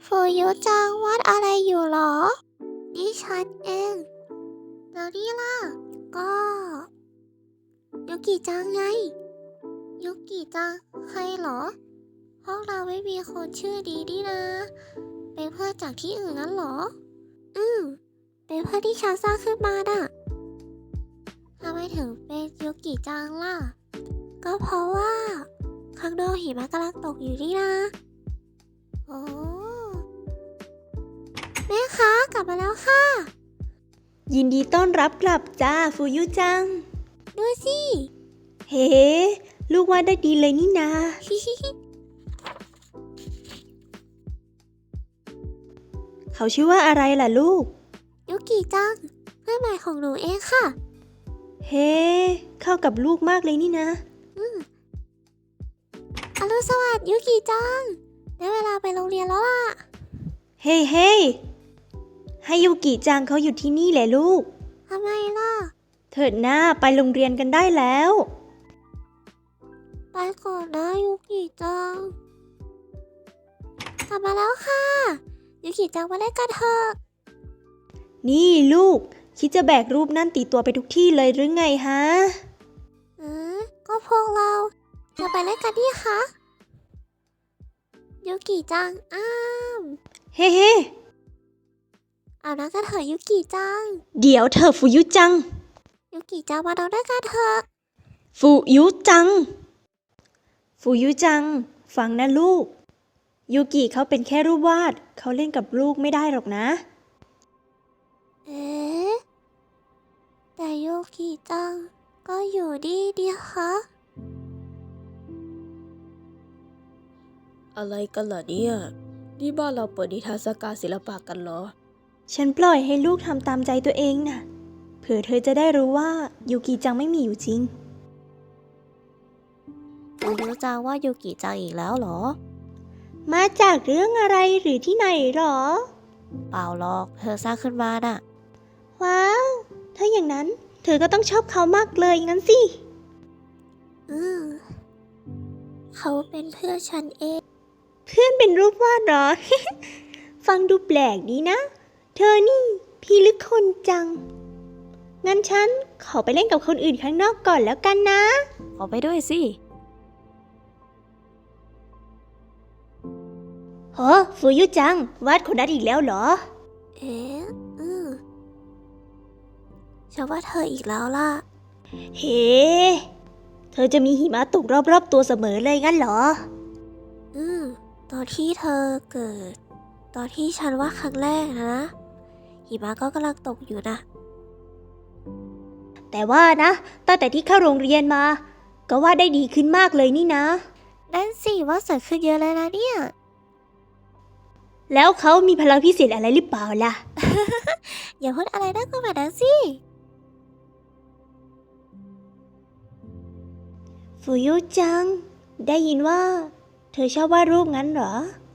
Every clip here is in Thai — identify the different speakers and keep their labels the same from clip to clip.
Speaker 1: ฟูยุจังวาดอะไรอยู่หรอนี่ฉันเองแล้วนี่ล่ะก็ยุกิจังไงยุกิจังใครเหรอห้องเราไม่มีคนชื่อดีนี่นะเป็นเพื่อนจากที่อื่นนั้นเหรอเป็นเพื่อนที่ฉันสร้างขึ้นมาน่ะทำไมถึงเป็นยุกิจังล่ะก็เพราะว่าข้างนอกหิมะกำลังตกอยู่นี่นะโอ้แม่คะกลับมาแล้วค่ะ
Speaker 2: ยินดีต้อนรับกลับจ้าฟูยุจัง
Speaker 1: ดูสิ
Speaker 2: เฮ้ลูกวาดได้ดีเลยนี่นา เขาชื่อว่าอะไรล่ะลูก
Speaker 1: ยุกิจังเพื่อนใหม่ของหนูเองค่ะ
Speaker 2: เฮ้เข้ากับลูกมากเลยนี่นะ
Speaker 1: อรุณสวัสดิ์ยุกิจังได้เวลาไปโรงเรียนแล้วล่ะ
Speaker 2: เฮ้ให้ยูกิจังเขาอยู่ที่นี่แหละลูก
Speaker 1: ทำไมล่ะ
Speaker 2: เถิดหน้าไปโรงเรียนกันได้แล้ว
Speaker 1: ไปก่อนนะยุกิจังกลับมาแล้วค่ะยุกิจังมาเล่นกันเถอะ
Speaker 2: นี่ลูกคิดจะแบกรูปนั่นติดตัวไปทุกที่เลยหรือไงฮะ
Speaker 1: ก็พวกเราจะไปเล่นกันนี่คะยุกิจัง
Speaker 2: เฮ้
Speaker 1: เอาน้ำกันเถอะยุกิจัง
Speaker 2: เดี๋ยวเธอฟูยุจัง
Speaker 1: ยุกิจังมาดูด้วยกันเถอะ
Speaker 2: ฟูยุจังฟังนะลูกยูกิเขาเป็นแค่รูปวาดเขาเล่นกับลูกไม่ได้หรอกนะ
Speaker 1: แต่ยุกิจังก็อยู่ดีคะ
Speaker 3: อะไรกันล่ะเนี่ยนี่บ้านเราเปิดนิทรรศการศิลปะกันเหรอ
Speaker 2: ฉันปล่อยให้ลูกทำตามใจตัวเองน่ะเผื่อเธอจะได้รู้ว่ายูกิจังไม่มีอยู่จริง
Speaker 1: รู้จังว่ายุกิจังอีกแล้วเหรอ
Speaker 2: มาจากเรื่องอะไรหรือที่ไหนหรอ
Speaker 1: เปล่าหรอกเธอสร้างขึ้นมาน่ะ
Speaker 2: ว้าวถ้าอย่างนั้นเธอก็ต้องชอบเขามากเลยงั้นสิ
Speaker 1: เขาเป็นเพื่อนฉันเอง
Speaker 2: เพื่อนเป็นรูปวาดเหรอ ฟังดูแปลกดีนะเธอนี่พี่ลึกคนจังงั้นฉันขอไปเล่นกับคนอื่นข้างนอกก่อนแล้วกันนะ
Speaker 1: ขอไปด้วยสิ
Speaker 2: โหฟูยุจังวาดคนนั้นอีกแล้วเหรอ
Speaker 1: ฉันว่าเธออีกแล้วล่ะ
Speaker 2: เฮ้เธอจะมีหิมะตกรอบๆตัวเสมอเลยงั้นเหรอ
Speaker 1: ตอนที่เธอเกิดตอนที่ฉันว่าครั้งแรกนะหิมะก็กำลังตกอยู่นะ
Speaker 2: แต่ว่านะตั้งแต่ที่เข้าโรงเรียนมาก็วาดได้ดีขึ้นมากเลยนี่นะ
Speaker 1: นั่นสิว่าสวยขึ้นเยอะเลยนะเนี่ย
Speaker 2: แล้วเขามีพลังพิเศษอะไรหรือเปล่าล่ะ
Speaker 1: อย่าพูดอะไรน่ากลัวแบบนั้นสิ
Speaker 2: ฟูยุจังได้ยินว่าเธอชอบวาดรูปงั้นเหรอ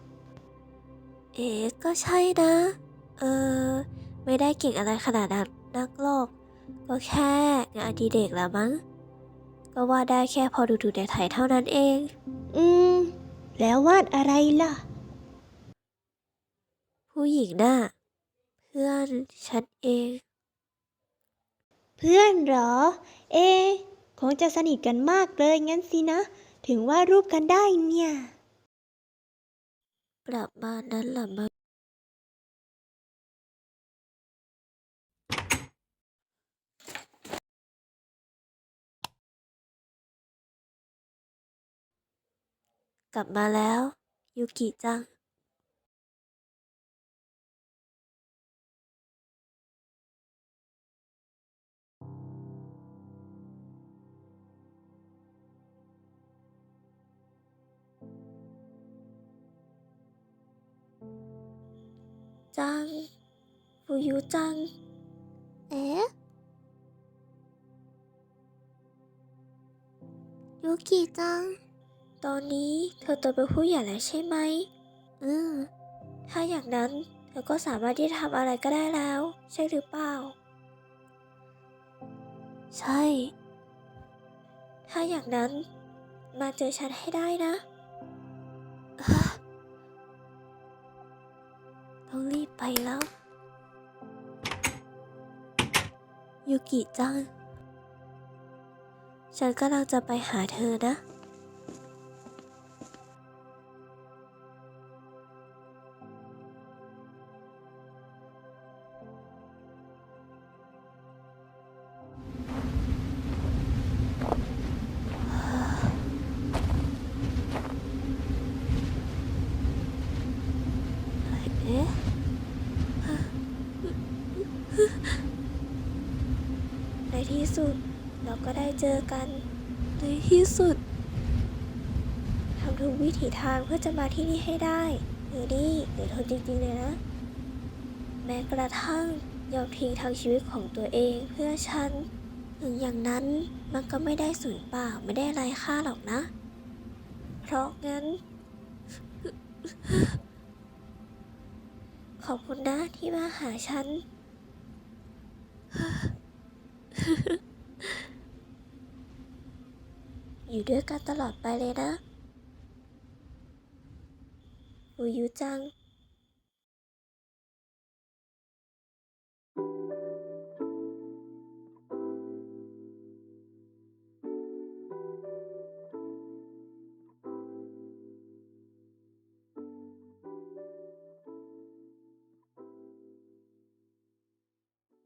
Speaker 1: ก็ใช่นะไม่ได้เก่งอะไรขนาดนั้นนักหรอกก็แค่งานอดิเรกละมั้งก็วาดได้แค่พอดูในถ่ายเท่านั้นเอง
Speaker 2: แล้ววาดอะไรล่ะ
Speaker 1: ผู้หญิงน่ะเพื่อนฉันเอง
Speaker 2: เพื่อนเหรอคงจะสนิทกันมากเลยงั้นสินะถึงวาดรูปกันได้เนี่ย
Speaker 1: ประมาณนั้นล่ะมั้งกลับมาแล้วยูกิจังฟูยุจังยูกิจังตอนนี้เธอโตเป็นผู้ใหญ่แล้วใช่ไหมถ้าอย่างนั้นเธอก็สามารถที่จะทำอะไรก็ได้แล้วใช่หรือเปล่าใช่ถ้าอย่างนั้นมาเจอฉันให้ได้นะแล้ว ยูกิจัง ฉันกำลังจะไปหาเธอนะ เอ๊ะ ในที่สุดเราก็ได้เจอกัน ในที่สุด ทำทุกวิถีทางเพื่อจะมาที่นี่ให้ได้เดี๋ยวทนจริงๆเลยนะ แม้กระทั่งยอมทิ้งทั้งชีวิตของตัวเองเพื่อฉัน ถึงอย่างนั้นมันก็ไม่ได้สูญเปล่าไม่ได้ไร้ค่าหรอกนะ เพราะงั้น ขอบคุณนะที่มาหาฉัน อยู่ด้วยกันตลอดไปเลยนะฟูยุจัง